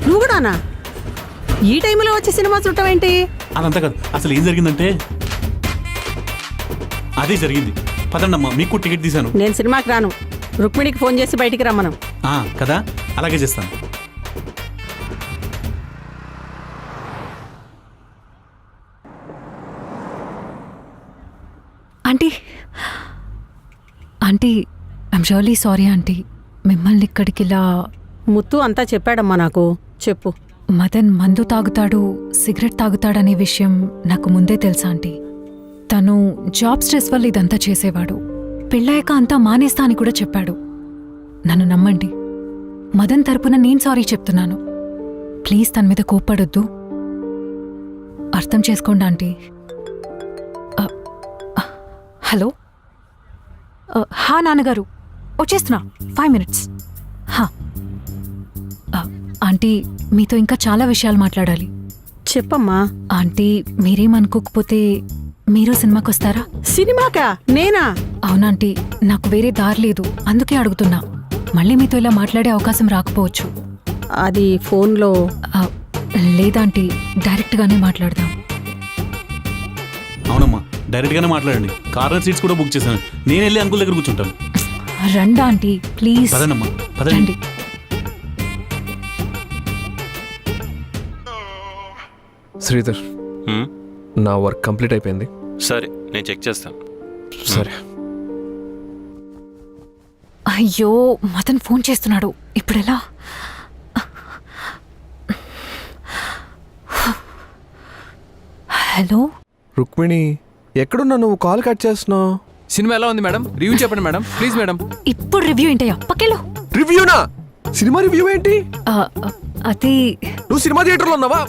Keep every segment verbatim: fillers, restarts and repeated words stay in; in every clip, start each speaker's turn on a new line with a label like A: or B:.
A: నువ్వు కూడానా? ఈ టైంలో వచ్చి సినిమా చూడటం
B: అదంతా కాదు, అసలు ఏం జరిగిందంటే అదే జరిగింది. పదండమ్మా, మీకు టికెట్ తీశాను.
A: నేను సినిమాకి రాను. రుక్మిణికి ఫోన్ చేసి బయటికి రమ్మను.
B: కదా, అలాగే చేస్తాను.
C: Aunty aunty I'm really sorry aunty. మిమ్మల్ని ఇక్కడికి ఇలా
A: ముత్తు అంతా చెప్పాడమ్మా నాకు. చెప్పు.
C: మదన్ మందు తాగుతాడు, సిగరెట్ తాగుతాడనే విషయం నాకు ముందే తెలుసా ఆంటీ. తను జాబ్ స్ట్రెస్ వల్ల ఇదంతా చేసేవాడు. పెళ్ళాక అంతా మానేస్తా అని కూడా చెప్పాడు. నన్ను నమ్మండి, మదన్ తరపున నేను సారీ చెప్తున్నాను. ప్లీజ్ తన మీద కోప్పడొద్దు, అర్థం చేసుకోండి ఆంటీ. హలో, హా నాన్నగారు, వచ్చేస్తున్నా, ఫైవ్ మినిట్స్. హా ఆంటీ, మీతో ఇంకా చాలా విషయాలు మాట్లాడాలి.
A: చెప్పమ్మా.
C: ఆంటీ, మీరేమనుకోకపోతే మీరు సినిమాకి వస్తారా?
A: సినిమాకా? నేనా?
C: అవునాంటీ, నాకు వేరే దారి లేదు, అందుకే అడుగుతున్నా. మళ్ళీ మీతో ఇలా మాట్లాడే అవకాశం రాకపోవచ్చు.
A: అది ఫోన్లో.
C: లేదాంటీ, డైరెక్ట్గానే మాట్లాడదాం.
B: అవునమ్మా, డైరెక్ట్ గానే మాట్లాడండి. కార్నర్ సీట్స్ కూడా బుక్ చేశాను. నేను వెళ్ళి అంకుల్ దగ్గర కూర్చుంటాను.
C: రండి ఆంటీ, ప్లీజ్.
B: పదండమ్మా, పదండి.
D: శ్రీధర్, నా వర్క్ కంప్లీట్ అయిపోయింది.
E: సరే, నేను చెక్ చేస్తాను.
D: సరే.
C: అయ్యో, మదన్ ఫోన్ చేస్తున్నాడు, ఇప్పుడెలా? హలో
D: రుక్మిణి, ఎక్కడున్నా నువ్వు? కాల్ కట్ చేస్తున్నావు.
F: సినిమా ఎలా ఉంది మేడం? రివ్యూ చెప్పండి మేడం, ప్లీజ్ మేడం.
C: ఇప్పుడు రివ్యూ ఏంటయ్యా? పక్కెళ్ళు.
D: రివ్యూనా? సినిమా రివ్యూ ఏంటి?
C: అది
D: నువ్వు సినిమా థియేటర్లో ఉన్నావా?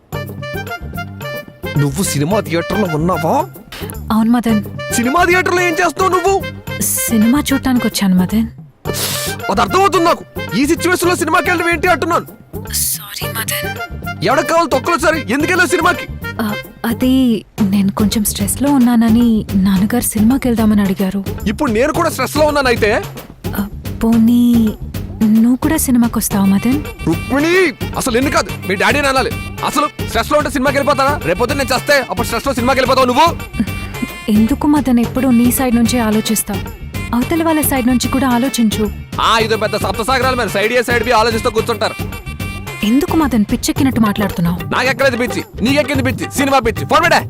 D: నువ్వు సినిమా థియేటర్లో ఉన్నావా?
C: అవును మదన్.
D: సినిమా థియేటర్లో ఏం చేస్తావు నువ్వు?
C: సినిమా చూడటానికి వచ్చాను మదన్.
D: అది అర్థమవుతుంది నాకు. ఈ సిచ్యువేషన్ లో సినిమాకి వెళ్ళడం ఏంటి అంటున్నాను.
C: సారీ మదన్.
D: ఎవరికి కావాలి తొక్కలు? సరే, ఎందుకు వెళ్ళావు సినిమాకి?
C: అది నేను కొంచెం స్ట్రెస్ లో ఉన్నానని నాన్నగారు సినిమాకి వెళ్దామని అడిగారు.
D: ఇప్పుడు నేను కూడా స్ట్రెస్ లో ఉన్నాను. అయితే
C: పోనీ నువ్వు కూడా సినిమాకి వస్తావా మదన్?
D: రుక్మిణి, అసలు ఎన్ని కాదు, మీ డాడీని అనాలి. అసలు స్ట్రెస్ లో ఉంటే సినిమాకి వెళ్ళిపోతారా? రేపొద్దు నేను చేస్తే అప్పుడు స్ట్రెస్ లో సినిమాకి వెళ్ళిపోతావు నువ్వు.
C: ఎందుకు మదన్ ఎప్పుడు నీ సైడ్ నుంచే ఆలోచిస్తావు? అవతల వాళ్ళ సైడ్ నుంచి కూడా ఆలోచించు.
D: ఆ ఇదో పెద్ద సప్తసాగరాలు మరి సైడ్ ఏ సైడ్ బి ఆలోచిస్తూ కూర్చుంటారు.
C: ఎందుకు మదన్ పిచ్చెక్కినట్టు మాట్లాడుతున్నావు?
D: నాకెక్కడైతే పిచ్చి, నీకెక్కింది పిచ్చి, సినిమా పిచ్చి. ఫోర్మేడే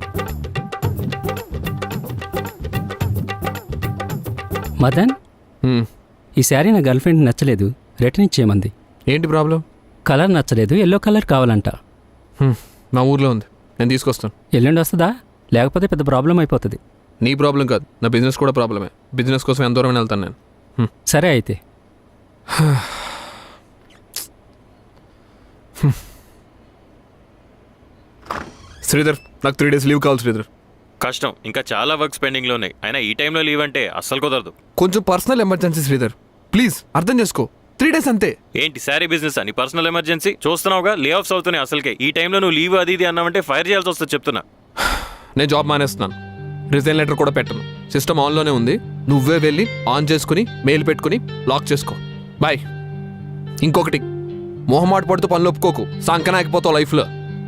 G: మదన్, ఈ శారీ నా గర్ల్ ఫ్రెండ్ నచ్చలేదు, రిటర్న్ ఇచ్చేయమంది.
D: ఏంటి ప్రాబ్లం?
G: కలర్ నచ్చలేదు, ఎల్లో కలర్ కావాలంట.
D: మా ఊర్లో ఉంది, నేను తీసుకొస్తాను.
G: ఎల్లుండి వస్తుందా? లేకపోతే పెద్ద ప్రాబ్లం అయిపోతుంది.
D: నీ ప్రాబ్లం కాదు, నా బిజినెస్ కూడా ప్రాబ్లమే. బిజినెస్ కోసం ఎంత దూరం వెళ్తాను నేను.
G: సరే అయితే.
D: శ్రీధర్, నాకు త్రీ డేస్ లీవ్ కావాలి శ్రీధర్.
E: కష్టం, ఇంకా చాలా వర్క్స్ పెండింగ్లో ఉన్నాయి. అయినా ఈ టైంలో లీవ్ అంటే అస్సలు కుదరదు.
D: కొంచెం పర్సనల్ ఎమర్జెన్సీ శ్రీధర్, ప్లీజ్ అర్థం చేసుకో. త్రీ డేస్ అంతే.
E: ఏంటి శారీ బిజినెస్ అని పర్సనల్ ఎమర్జెన్సీ? చూస్తున్నావుగా, లే ఆఫ్స్ అవుతున్నాయి. అసలుకే ఈ టైంలో నువ్వు లీవ్ అది ఇది అన్నావంటే ఫైర్ చేయాల్సి వస్తుంది చెప్తున్నా.
D: నేను జాబ్ మానేస్తున్నాను, రిజైన్ లెటర్ కూడా పెట్టను. సిస్టమ్ ఆన్లోనే ఉంది, నువ్వే వెళ్ళి ఆన్ చేసుకుని మెయిల్ పెట్టుకుని లాక్ చేసుకో. బాయ్. ఇంకొకటి, మొహమాట పడుతూ పనులు ఒప్పుకోకు, సంకన ఆగిపోతావు లైఫ్లో.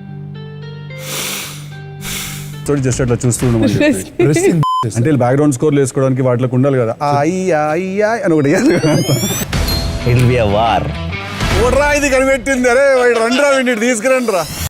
H: జస్ట్ అట్లా చూస్తూ అంటే బ్యాక్గ్రౌండ్ స్కోర్ వేసుకోవడానికి వాటిలోకి ఉండాలి కదా. అని ఒకటి ఇది కనిపెట్టింది. అరే రండి రా, తీసుకురండి రా.